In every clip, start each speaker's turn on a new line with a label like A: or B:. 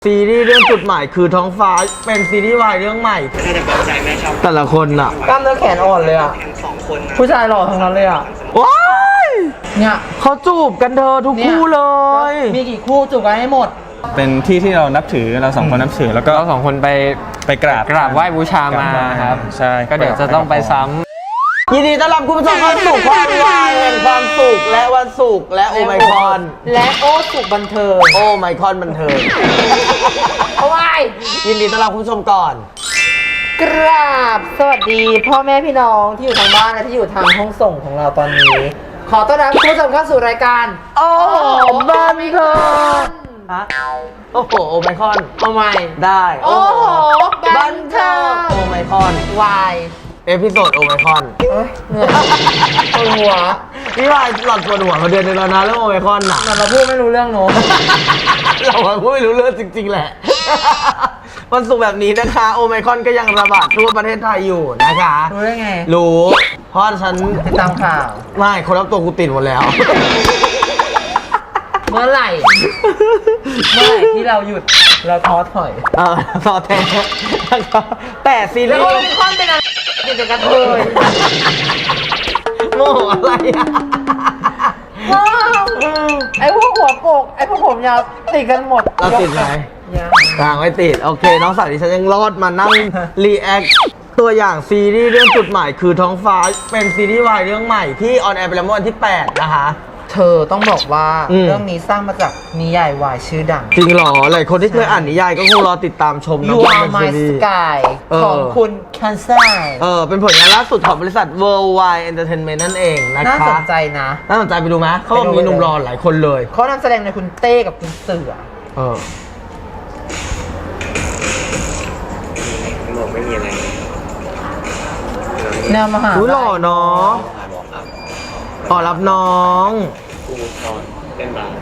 A: ซีรีส์เรื่องจุดหมายคือท้องฟ้าเป็นซีรีส์วายเรื่องใหม่
B: ถ้าจะบอกใจแม่ชอบ
A: แต่ละคนอ่ะ
C: กล้ามเนื้อแขนอ่อนเลยอ่ะ
B: ทั้งสองคนนะ
C: ผู้ชายหล่อทั้งนั้นเลยอ่ะ
A: ว้าย
C: เนี่ย
A: เขาจูบกันเธอทุกคู่เลย
C: มีกี่คู่จูบกันให้หมด
D: เป็นที่ที่เรานับถือเราสองคนนับถือแล้วก็
E: เราสองคนไป
D: กราบ
E: ไหว้บูชามาครับ
D: ใช่
E: ก็เดี๋ยวจะต้องไปซ้ำ
A: ยินดีต้อนรับคุณผู้ชมเข้าสู่ความวายแห่งความสุขและวันศุกร์และโอไมคอน
C: และโอ้สุกบันเทิง
A: โอไมคอนบันเทิง
C: เอาไว้
A: ยินดีต้อนรับคุณผู้ชมก่อน
C: กราบสวัสดีพ่อแม่พี่น้องที่อยู่ทางบ้านและที่อยู่ทางห้องส่งของเราตอนนี้ ขอต้อนรับคุณผู้ชมเข้าสู่รายการ
A: โอ้บันเทิงฮะโอ้โหโอไมคอน
C: เอาใหม่
A: ได้
C: โอ้โหบันเทิง
A: โอไมคอน
C: วาย
A: เอพิโซดโอไมคอน
C: เอ้ยเหนื่อยปวดหัว
A: พี่วายหลอดปวดหัวมาเดือนนึงแล้วนะเรื่องโอไมคอนน่ะ
C: มันเราพูดไม่รู้เรื่องโน้
A: เราก็ไม่รู้เรื่องจริงๆแหละ วันศุกร์แบบนี้นะคะโอไมคอนก็ยังระบาดทั่วประเทศไทยอยู่นะคะ
C: รู้ได้ไง
A: รู้เพราะฉัน
C: ติดตามข่าว
A: ไม่คนรับตัวกูติดหมดแล้ว
C: เมื่อไหร่ที่เราหยุดเราท้อถอย
A: ต่อแท้แต่ซี
C: แล้
A: รี
C: วโอ
A: ส์
C: มิคอนเป็นอะไรติดแต่กระเทย
A: โง่อะไรอ่ะ
C: ไอ้พวกหัวโปกไอ้พวกผมยาวติดกันหมด
A: เราติดไหม
C: ยัง
A: ต่างไม่ติดโอเคน้องสาวดิฉันยังรอดมานั่งรีแอคตัวอย่างซีรีส์เรื่องจุดหมายคือท้องฟ้าเป็นซีรีส์วายเรื่องใหม่ที่ออนแอร์ไปแล้วเมื่อวันที่ 8 นะคะ
C: เธอต้องบอกว่า
A: อืม
C: เรื่องนี้สร้างมาจากนิยายวายชื่อดัง
A: จริงเหรอหลายคนที่เคยอ่านนิยายก็คงรอติดตามชมนะ
C: You
A: ว่า
C: Are
A: เป็น
C: My
A: ซีรีส์
C: Sky
A: เออ
C: ของคุณคันไซ
A: เป็นผลงานล่าสุดของบริษัท Worldwide Entertainment นั่นเองนะคะ
C: น่าสนใจนะ
A: น่าสนใจไปดูไหมเขาบอกมีหนุ่มรอหลายคนเลย
C: เขานำแสดงในคุณเต้กับคุณเสือ
B: บอกไม่มีอะไร
C: แนวมหา
A: อุ้ยหล่อเนาะ
B: บอกครับ
A: ขอรับน้อง
B: กูนอนเล่นบาส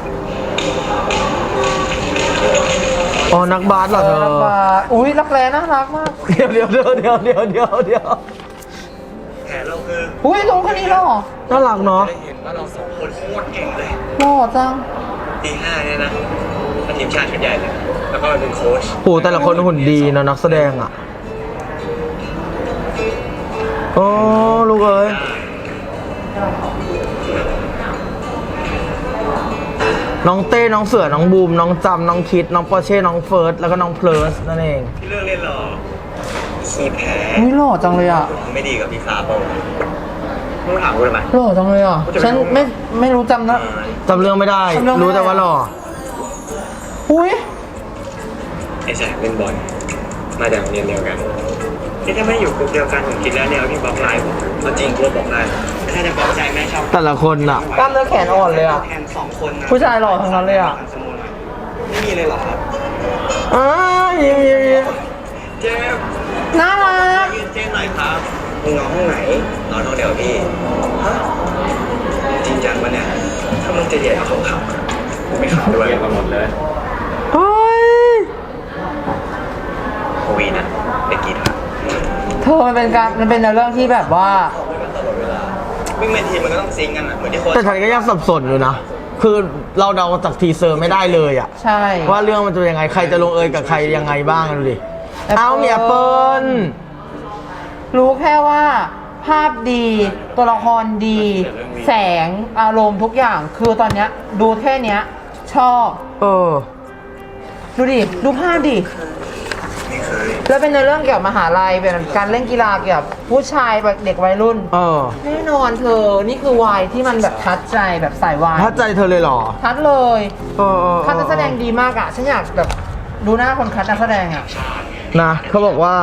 A: อ๋อนักบาสเหรอเธอ
C: นักบาสอุ้ยรักแร้น่ารักมาก
A: เดี๋ยว
B: แผนเราคือ
C: อุ้ยตรงคนนี้หล่อ
A: น่ารักเนาะ
B: ได้เห็นว่าเราสองคนโคตรเก่งเลย
C: หล่อจัง
B: ตีห้าเนี่ยนะมาทีมชาติชุดใหญ่เลย แล้วก็มาเป็นโค้ช
A: โหแต่ละคนหุ่นดีนะนักแสดงอ่ะโอ้ลูกเอ้ยน้องเต้น้องเสือน้องบูมน้องจำน้องคิดน้องปอร์เช่น้องเฟิร์สแล้วก็น้องเพลิร์สนั่นเอง
B: ที่เลือกเล่นหรอขี้แพ้
C: อุ้ยหล่อจังเลยอ่ะ
B: ไม่ดีกับพี่ฟ้าเปล่ามึงถามกูทำไม
C: หล่อจังเลยอ่ะ ฉันไม่รู้จำนะ
A: จำเรื่องไม่ได้
C: จำเรื่องไม่ได้
A: รู้แต่ว่าหล่อ
C: อุ้ย
B: ไอ้แสบเล่นบอลมาจากโรงเรียนเดียวกันนี่ถ้าไม่อยู่กลุ่มเดียวกันผมคิดแล้วเนี่ยพี่บอกไลน์ผมจริงกูบอกได้ถ้าจะบอกใจแม่ชอบ
A: แต่ละคนอ่ะ
C: กล้ามเนื้อแขนอ่อนเลยอ่ะ
B: แทนสองคนนะ
C: ผู้ชายหล่อทั้งนั้นเลยอ่ะ
B: ไม่มีเลยเหรอครับ
A: ยิ้ม
B: เจ๊
C: น่ารัก
B: เจ๊หน่อยครับมึงนอนห้องไหนนอนห้องเดียวพี่ฮะจริงจังปะเนี่ยถ้ามึงจะเดียดเอาเขาขับกูไม่ขับด้วยกันหมดเลย
A: เฮ้ย
B: โควีนะไปกีฬา
C: เธอมันเป็นเรื่องที่แบบว่า
B: วิ่งเป็นทีมมันก็ต้องซิงกันอ่ะเหมือนที่โค้ช
A: แต่ฉันก็ยังสับสนอยู่นะ คือเราเดาจากทีเซอร์ไม่ได้เลยอะ
C: ใช่
A: ว่าเรื่องมันจะเป็นยังไง ใครจะลงเอยกับใครยังไงบ้างดูดิ เอาเมียเปิ้ล
C: รู้แค่ว่า ภาพดีตัวละครดี แสงอารมณ์ทุกอย่างคือตอนเนี้ยดูแค่เนี้ย ชอบ ดูดิ ดูภาพดิ
B: ไม่เคย
C: แล้วเป็นในเรื่องเกี่ยวกับมหาลัยเป็นการเล่นกีฬาเกี่ยวกับผู้ชายแบบเด็กวัยรุ่น แน่นอนเธอ นี่คือวายที่มันแบบทัดใจแบบสายวาย
A: ถ้าใจเธอเลยเหรอ
C: ทัดเลย คัดนักแสดง
A: ดี
C: ดีมากอ่ะ ฉันอยากแบบดูหน้าคนคัดนักแสดงอ่ะ
A: นะเขาบอกว่า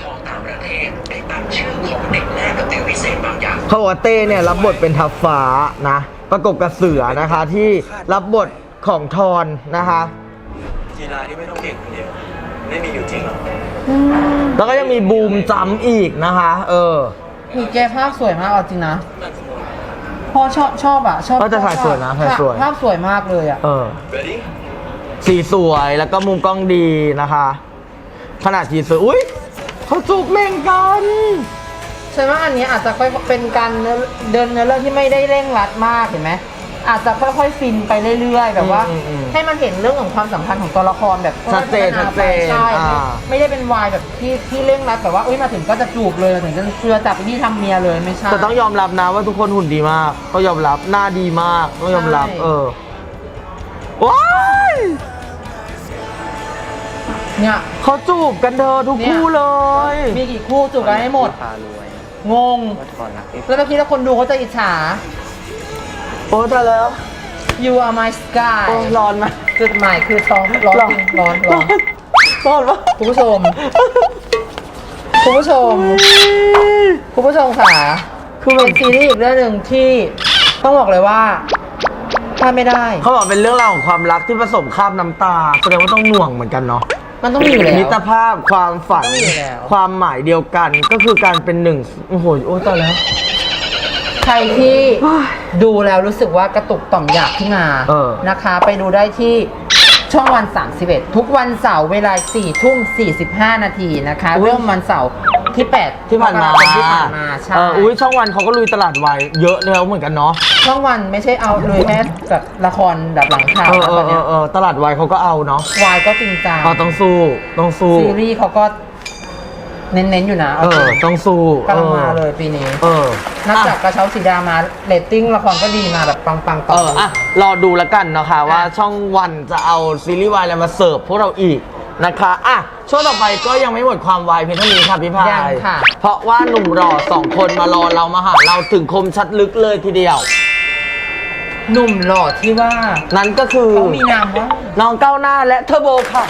A: เขาบอกว่าเต้เนี่ยรับบทเป็นทัพฟ้านะ ประกบกับเสือนะคะที่รับบทของทอนนะคะ
B: กีฬาที่ไม่ต้องเก่งคนเดียวไม่มีอยู่จริงหรอก
A: แล้วก็ยังมีบูมจำอีกนะคะ
C: คือแกภาพสวยมากเอาจริงนะพอชอบอ่ะ ชอบ
A: ก็จะถ่ายสวยนะถ่ายสวย
C: ภาพสวยมากเลยอ่ะ
B: Ready
A: สีสวยแล้วก็มุมกล้องดีนะคะ ขนาดทีเซอร์อุ้ยเขาจูบเม่งกัน
C: ฉันว่าอันนี้อาจจะเป็นการเดินเนื้อเรื่องที่ไม่ได้เร่งรัดมากเห็นไหมอาจจะค่อยๆฟินไปเรื่อยๆ แบบว่า
A: อืม
C: ให้มันเห็นเรื่องของความสัมพันธ์ของตัวละครแบบ
A: ชัดเจน
C: พัฒา
A: ชัดเจน
C: ไปใช่
A: อ่า
C: ไม่ได้เป็นวายแบบที่เร่งรัดแบบว่าอุ้ยมาถึงก็จะจูบเลยมาถึงจะเชื่อจับไปที่ทำเมียเลยไม่ใช่
A: แต่ต้องยอมรับนะว่าทุกคนหุ่นดีมากต้องยอมรับหน้าดีมากต้องยอมรับ
C: ใช่
A: ว้าย
C: เนี่ย
A: เขาจูบกันเธอทุกคู่เลย
C: มีกี่คู่จูบกันให้หมด
B: พารวย
C: งง
B: ก่อนรักที่
C: แล้วเมื่อกี้ถ้าคนดูเขาจะอิจฉา
A: โอ้แต่แล้ว
C: You are my sky
A: โอ้ร้อนไหม
C: จุดหมายคือท้องร้อนจริงร้อน
A: ร้อนปะ
C: คุณผู้ชม คุณผู้ชม คุณผู้ชมค่ะ
A: คือ
C: เป็นซีรีส์อีกเรื่องหนึ่งที่ต้องบอกเลยว่าพลาดไม่ได้
A: เขาบอกเป็นเรื่องราวของความรักที่ผสมคราบน้ำตาแสดงว่าต้องหน่วงเหมือนกันเนาะ
C: มันต้องมีอยู่แล้ว
A: มิตรภาพความฝัน
C: ต้องมีอยู่แล้ว
A: ความหมายเดียวกันก็คือการเป็นหนึ่งโอ้โหโอ้ตายแล้ว
C: ใครที่ดูแล้วรู้สึกว่ากระตุกต่อมอยากขึ้นมา
A: เออ
C: นะคะ ไปดูได้ที่ช่องวัน 31 ทุกวันเสาร์เวลา 4 ทุ่ม 45 นาทีนะคะ เริ่มวันเสาร์ที่ 8
A: ที่ผ่านมา
C: ที่ผ่านมาใช่
A: อุ้ยช่องวันเขาก็ลุยตลาดวายเยอะแล้วเหมือนกันเนาะ
C: ช่องวันไม่ใช่เอาเลยแค่แบบละครแบบหลังข่าวนะตอนเนี้ย
A: ตลาดวายเขาก็เอาเนาะ
C: วายก็จริงจัง
A: ต้องสู้ต้องสู้
C: ซีรีส์เขาก็เน้นๆอยู่นะเอาจริง
A: ต้องสู้
C: กำลังมาเลยปีนี้ นับจากกระเช้าสีดามาเรตติ้งละครก็ดีมาแบบปังๆต่อ
A: รอดูแล้วกันนะคะว่าช่องวันจะเอาซีรีส์วายอะไรมาเสิร์ฟพวกเราอีกนะคะช่วงต่อไปก็ยังไม่หมดความวายเพียงเท่านี้ค่ะพี่พาย
C: ยังค่ะ
A: เพราะว่าหนุ่มหล่อ2 คนมารอเรามาหาเราถึงคมชัดลึกเลยทีเดียว
C: หนุ่มหล่อที่ว่า
A: นั้นก็คือ
C: เขามีนามว่า
A: น้องก้าวหน้าและเทอร์โบค่ะ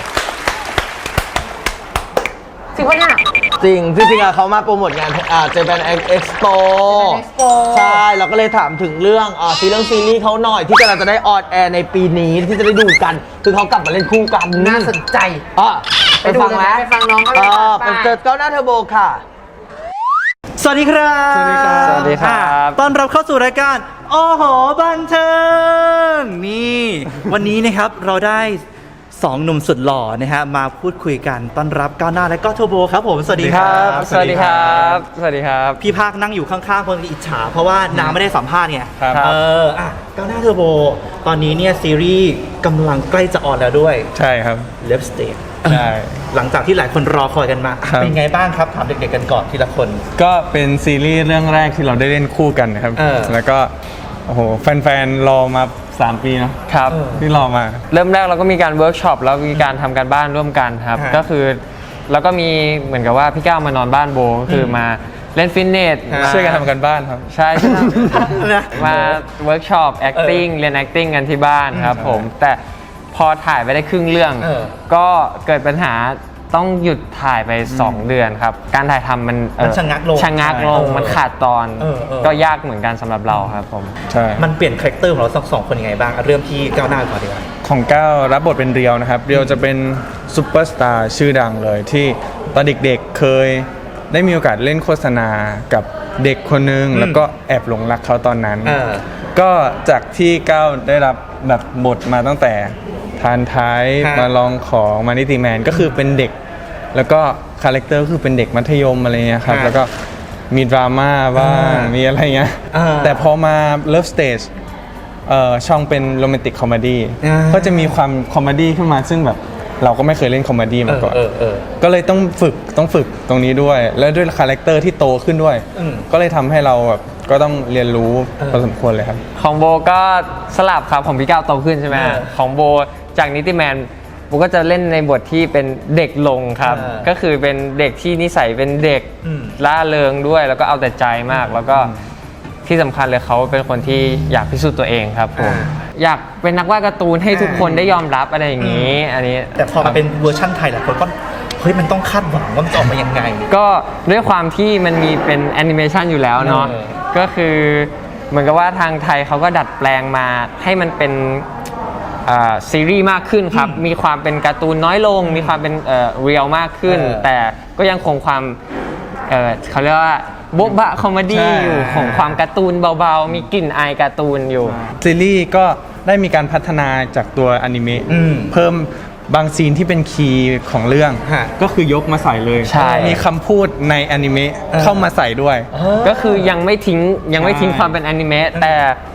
C: จริงปะเนี่ย
A: จริงเขามาโปรโมทงานเจแปนเอ็กซ์โป
C: Japan Expo
A: ใช่เราก็เลยถามถึงเรื่องซีรีส์เขาหน่อยที่กำลังจะได้ออนแอร์ในปีนี้ที่จะได้ดูกัน คือเขากลับมาเล่นคู่กัน
C: น่าสนใจ
A: ไปฟังไหม
C: ไปฟังน้องเขาเลยค่ะ
A: ไปเจอก้าวหน้าเทอร์โบค่ะ
F: สวัสดีครับ
D: สวัสดีครับ
E: สวัสดีครับ
F: ต้อนรับเข้าสู่รายการโอ้โหบันเทิงนี่ วันนี้นะครับเราได้2 หนุ่มสุดหล่อนะฮะมาพูดคุยกันต้อนรับก้าวหน้าและก็โทโบครับผมสวัสดีครับ
E: สวัสดีครับ สวัสดีครับ
F: พี่ภาคนั่งอยู่ข้างๆคนอิจฉาเพราะว่าน้าไม่ได้สัมภาษณ์ไง
D: ครับ
F: ก้าวหน้าเทอร์โบตอนนี้เนี่ยซีรีส์กำลังใกล้จะออนแล้วด้วย
D: ใช่ครับ
F: เลฟสเต
D: ใช่
F: หลังจากที่หลายคนรอคอยกันมา
D: ครับ
F: เป็นไงบ้างครับถามเด็กๆกันก่อนทีละคน
D: ก็เป็นซีรีส์เรื่องแรกที่เราได้เล่นคู่กันนะครับ แล้วก็โอ้โหแฟนๆรอมา3 ปีเนอะ
E: ครับ
D: ที่รอมา
E: เริ่มแรกเราก็มีการเวิร์กช็อปแล้วมีการทำการบ้านร่วมกันครับ
F: ฮะ
E: ก็คือแล้วก็มีเหมือนกับว่าพี่ก้าวมานอนบ้านโบก็คือมาเล่นฟิตเนส
F: ฮะ
E: มา
D: ช่วยกันทำกันบ้านครับ
E: ใช่ใช่
F: นะ
E: มาเวิร์กช็อป acting เรียน acting กันที่บ้านครับผม แต่พอถ่ายไปได้ครึ่งเรื่อง ก็เกิดปัญหาต้องหยุดถ่ายไป 2 เดือนครับ การถ่ายทำมัน
F: มันชะงักลง
E: ชะงักลง มันขาดตอน
F: เออ
E: ก็ยากเหมือนกันสำหรับเราครับผม
D: ใช่
F: มันเปลี่ยนคาแรคเตอร์ของเราสองคนยังไงบ้างเริ่มที่ก้าวหน้าก่อนดีกว่า
D: ของก้าวรับบทเป็นเรียวนะครับ เรียวจะเป็นซูเปอร์สตาร์ชื่อดังเลยที่ตอนเด็กๆเคยได้มีโอกาสเล่นโฆษณากับเด็กคนนึง แล้วก็แอบหลงรักเขาตอนนั้น ก็จากที่ก้าวได้รับแบบบทมาตั้งแต่ทานท้าย
F: ฮะ
D: มาลองของมานิติแมนก็คือเป็นเด็ก แล้วก็คาแรคเตอร์คือเป็นเด็กมัธยมอะไรเงี้ยครับ
F: ฮะ
D: แล้วก็มีดราม่าบ้าง มีอะไรเงี้ย แต่พอมาเลิฟสเตจช่องเป็นโรแมนติกคอมเมดี้ ก็จะมีความคอมเมดี้ขึ้นมาซึ่งแบบเราก็ไม่เคยเล่นคอมเมดี้มาก่อน ก็เลยต้องฝึกตรงนี้ด้วย แล้วด้วยคาแรคเตอร์ที่โตขึ้นด้วย ก็เลยทำให้เราแบบก็ต้องเรียนรู้พอสมควรเลยครับ
E: ของโบก็สลับครับของพี่ก้าวโตขึ้นใช่ไหมของโบจากนิติแมนโบก็จะเล่นในบทที่เป็นเด็กลงครับ ก็คือเป็นเด็กที่นิสัยเป็นเด็กล่าเริงด้วย แล้วก็เอาแต่ใจมาก แล้วก็ที่สำคัญเลยเขาเป็นคนที่อยากพิสูจน์ตัวเองครับผมอยากเป็นนักวาดการ์ตูนให้ทุกคนได้ยอมรับอะไรอย่างนี้ อันนี้
F: แต่พอมาเป็นเวอร์ชั่นไทยหลายคนก็เฮ้ยมันต้องคาดหวังว่ามันจะออกมายังไง
E: ก็ด้วยความที่มันมีเป็นแอนิเมชันอยู่แล้วเนาะ ก็คือเหมือนกับว่าทางไทยเขาก็ดัดแปลงมาให้มันเป็นซีรีส์มากขึ้นครับ มีความเป็นการ์ตูนน้อยลง มีความเป็นเรียลมากขึ้น แต่ก็ยังคงความเขาเรียกว่าโบ๊ะบะคอมเมดี้
D: ใช่
E: อยู่ของความการ์ตูนเบาๆ มีกลิ่นอายการ์ตูนอยู่
D: ซีรีส์ก็ได้มีการพัฒนาจากตัวอนิเมะเพิ่มบางซีนที่เป็นคีย์ของเรื่อง
F: ฮะ
D: ก็คือยกมาใส่เลย
E: ใช่
D: มีคำพูดในอนิเมะเข้ามาใส่ด้วย
E: ก็คือยังไม่ทิ้งความเป็นแอนิเมะแต่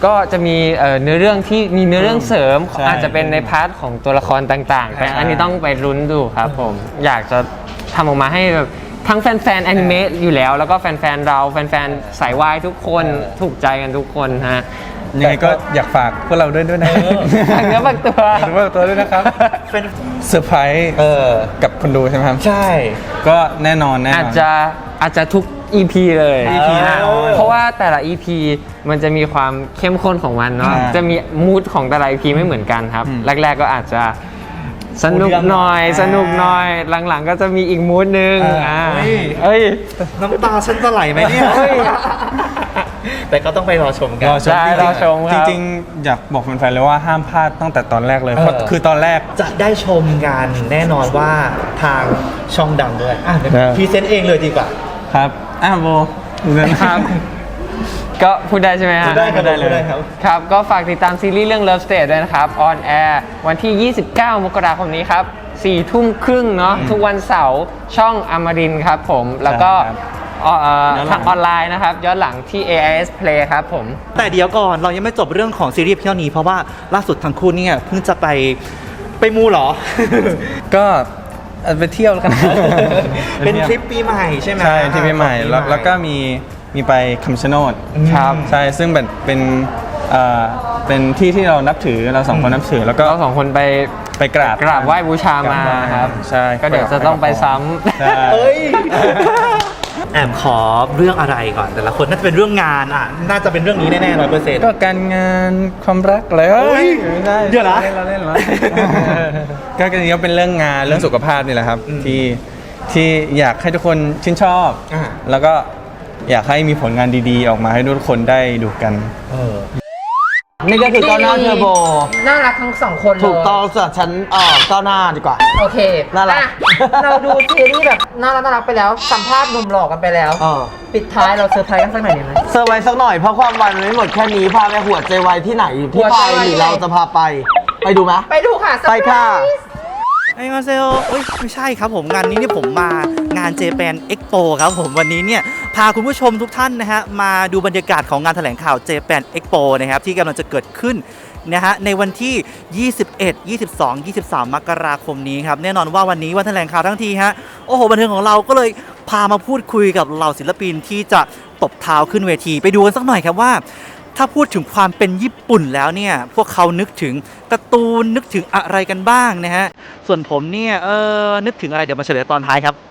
E: ก็จะมีเนื้อเรื่องที่มีเนื้อเรื่องเสริม
D: ใช่
E: อาจจะเป็นในพาร์ทของตัวละครต่างๆ แต่อันนี้ต้องไปลุ้นดูครับผมอยากจะทำออกมาให้แบบทั้งแฟนๆแอนิเมะอยู่แล้ว แล้วก็แฟนๆเราแฟนๆสายวายทุกคนถูกใจกันทุกคนฮะ
D: ยังไงก็อยากฝากพวกเราด้วยนะ
E: ฝากเนื้อฝากตัว
D: ฝากเนื้อฝากตัวด้วยนะครับเซอร์ไพรส์กับคนดูใช่ไหมครับ
F: ใช่
D: ก็แน่นอน
E: อาจจะทุก EP เลย
F: EP แน่นอน
E: เพราะว่าแต่ละ EP มันจะมีความเข้มข้นของมันเนาะ
D: อ่า
E: จะมีมูดของแต่ละ EP ไม่เหมือนกันครับ แรกๆก็อาจจะสนุกหน่อย หลังๆก็จะมีอีกมูดนึงเอ้ย
F: น้ำตาฉันจะไหลไหมเนี่ย
E: เฮ้ย
F: แต่ก็ต้องไปรอชมกัน
E: ได้รอชมครับ
D: จริงๆอยากบอกแฟนๆเลยว่าห้ามพลาดตั้งแต่ตอนแรกเลยเพราะคือตอนแรก
F: จะได้ชมกันแน่นอนว่าทางช่องดังด้วยเดี๋ยว
D: ครับ
F: พรีเซนต์เองเลยดีกว่า
D: ครับโบ
E: ครับ ก็พูดได้ใช่ไหมฮะ
F: พูดได้ครับ
D: ได้เลย
F: พูดได้ครับ
E: ครับ ก็ฝากติดตามซีรีส์เรื่อง Love Stage ด้วยนะครับ on air วันที่ 29 มกราคมนี้ครับ 4 ทุ่มครึ่งเนาะทุกวันเสาร์ช่องอมรินทร์ครับผม แล้วก็
D: ครับ
E: ทางออนไลน์นะครับ ย้อนหลังที่ AIS Play ครับผม
F: แต่เดี๋ยวก่อนเรายังไม่จบเรื่องของซีรีส์เพียงนี้เพราะว่าล่าสุดทั้งคู่เนี่ยเพิ่งจะไปมูเหรอ
D: ก็ไปเที่ยวแล้วกัน
F: เป็นทริปปีใหม่ใช่ไหม
D: ใช่ที่ปีใหม่แล้วก็มีไปคำชะโนด
E: ครับ
D: ใช่ซึ่งเป็นที่ที่เรานับถือเราสองคนนับถือแล้วก็
E: เราสองคนไป
D: กราบ
E: ไหว้บูชามาครับ
D: ใช่
E: ก็เดี๋ยวจะต้องไปซ้ำ
D: ใช่
F: เอ้ย แอบขอเรื่องอะไรก่อน แต่ละคนน่าจะเป็นเรื่องงานน่าจะเป็นเรื่องนี้แน่ๆ100%
D: ก็การงานความรักอะไร
F: เฮ้ย
D: ไม่ได้
F: เดี๋ยวนะ
D: เราเล่น ก็จริงๆก็เป็นเรื่องงานเรื่องสุขภาพนี่แหละครับที่อยากให้ทุกคนชื่นชอบ แล้วก็อยากให้มีผลงานดีๆ ออกมาให้ทุกคนได้ดูกัน
A: นี่ก็คือก้าวหน้าเทอร์โบ
C: น่ารักทั้งสองคนเลย
A: ถูกต้องสำหรับฉันก้าวหน้าดีกว่า
C: โอเค
A: น่ารัก
C: อ่ะเราดูซีรีส์แบบน่ารักไปแล้ว สัมภาษณ์หนุ่มหล่อกันไปแล้ว ปิดท้ายเราเซอร์ไพรส์กันสักหน่อยดีไหม
A: เซอร์ไว้สักหน่อยเพราะความวันมันไม่หมดแค่นี้พาไปหัวใจไวที่ไหนที่
C: หัว
A: ไป
C: ใจไว
A: หรือ
C: ที่ไหน
A: เราจะพาไปดูไหม
C: ไปดูค่ะ
A: ไปค่ะ
F: ไอ้มาเซลไม่ใช่ครับผมงานนี้เนี่ยผมมางาน Japan Expo ครับผมวันนี้เนี่ยพาคุณผู้ชมทุกท่านนะฮะมาดูบรรยากาศของงานแถลงข่าว Japan Expo นะครับที่กำลังจะเกิดขึ้นนะฮะในวันที่ 21 22 23 มกราคมนี้ครับแน่นอนว่าวันนี้วันแถลงข่าวทั้งทีฮะโอ้โหบันเทิงของเราก็เลยพามาพูดคุยกับเหล่าศิลปินที่จะตบเท้าขึ้นเวทีไปดูกันสักหน่อยครับว่า ถ้าพูดถึงความเป็นญี่ปุ่นแล้วเนี่ยพวกเขานึกถึงการ์ตูนนึกถึงอะไรกันบ้างนะฮะส่วนผมเนี่ยนึกถึงอะไรเดี๋ยวมาเฉลยตอนท้ายครับ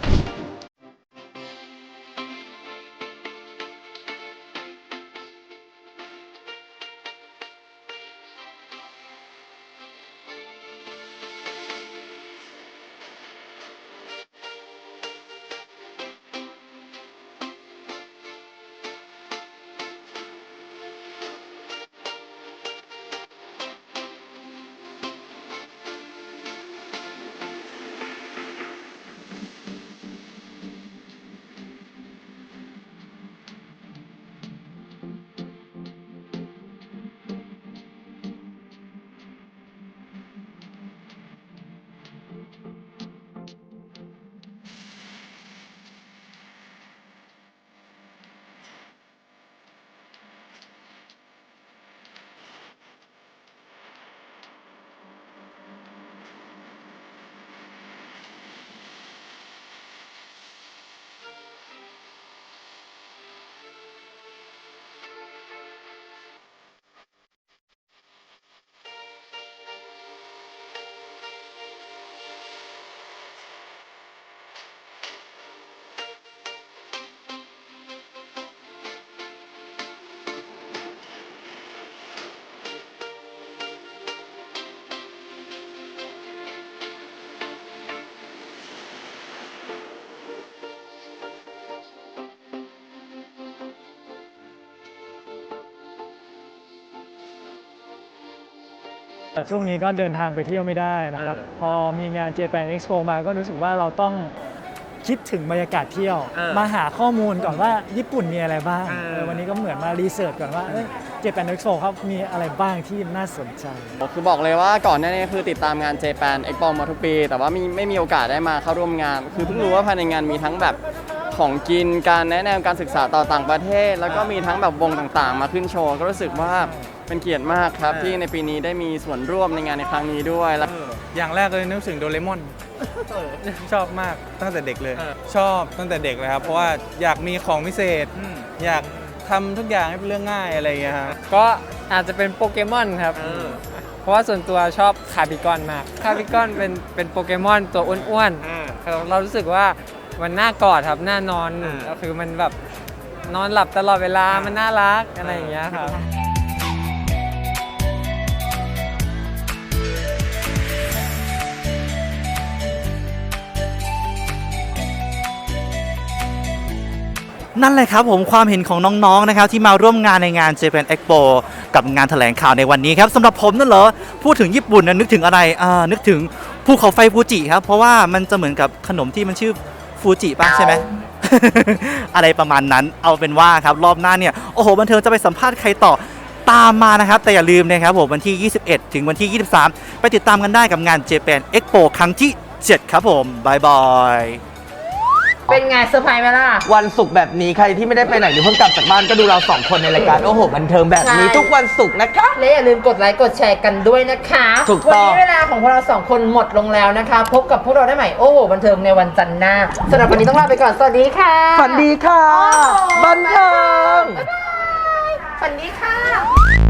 G: ช่วงนี้ก็เดินทางไปเที่ยวไม่ได้นะครับ พอมีงาน Japan Expo มาก็รู้สึกว่าเราต้องคิดถึงบรรยากาศเที่ยว มาหาข้อมูลก่อนว่าญี่ปุ่นมีอะไรบ้างวันนี้ก็เหมือนมารีเสิร์ชก่อนว่าJapan Expo ครับมีอะไรบ้างที่น่าสนใจ
H: คือบอกเลยว่าก่อนหน้านี้คือติดตามงาน Japan Expo มาทุกปี แต่ว่าไม่มีโอกาสได้มาเข้าร่วมงาน คือเพิ่งรู้ว่าภายในงานมีทั้งแบบคของกินการแนะแนวการศึกษาต่อต่างประเทศ แล้วก็มีทั้งแบบวงต่างๆ มาขึ้นโชว์ก็รู้สึกว่าเป็นเกียรติมากครับที่ในปีนี้ได้มีส่วนร่วมในงานในครั้งนี้ด้วยแล้ว
D: อย่างแรกเลยนึกถึงโดเรมอน ชอบมากตั้งแต่เด็กเลย ชอบตั้งแต่เด็กเลยครับ เพราะว่าอยากมีของพิเศษ อยากทำทุกอย่างให้เป็นเรื่องง่ายอะไรอย่างเงี้ยครับ
E: ก็อาจจะเป็นโปเกมอนครับ เพราะว่าส่วนตัวชอบคาบิกอนมาก คาบิกอนเป็นโปเกมอนตัวอ้วนๆเรารู้สึกว่ามันน่ากอดครับน่านอนก็คือมันแบบนอนหลับตลอดเวลามันน่ารักอะไรอย่างเงี้ยครับ
F: นั่นแหละครับผมความเห็นของน้องๆนะครับที่มาร่วมงานในงาน Japan Expo กับงานแถลงข่าวในวันนี้ครับสำหรับผมนั่นเหรอพูดถึงญี่ปุ่นนะนึกถึงอะไรนึกถึงภูเขาไฟฟูจิครับเพราะว่ามันจะเหมือนกับขนมที่มันชื่อฟูจิป่ะใช่ไหม อะไรประมาณนั้นเอาเป็นว่าครับรอบหน้าเนี่ยโอ้โหบันเทิงจะไปสัมภาษณ์ใครต่อตามมานะครับแต่อย่าลืมนะครับผมวันที่ 21 ถึงวันที่ 23 ไปติดตามกันได้กับงาน Japan Expo ครั้งที่ 7 ครับผมบายบาย
C: เป็นไงเซอร์ไพรส์ไหมล่ะ
A: วันศุกร์แบบนี้ใครที่ไม่ได้ไปไหนหรือเพิ่งกลับจากบ้านก็ดูเราสองคนในรายการโอ้โหบันเทิงแบบนี้
C: ใช่
A: ทุกวันศุกร์นะคะ
C: และอย่าลืมกดไลค์กดแชร์กันด้วยนะคะ
A: ถูก
C: วั
A: ต้อง
C: นี้เวลาของพวกเราสองคนหมดลงแล้วนะคะ พบกับพวกเราได้ใหม่โอ้โหบันเทิงในวันจันทร์หน้าสำหรับวันนี้ต้องลาไปก่อนสวัสดีค่ะ
A: ฝันดีค่ะ บันเทิง
C: บ๊ายบายฝันดีค่ะ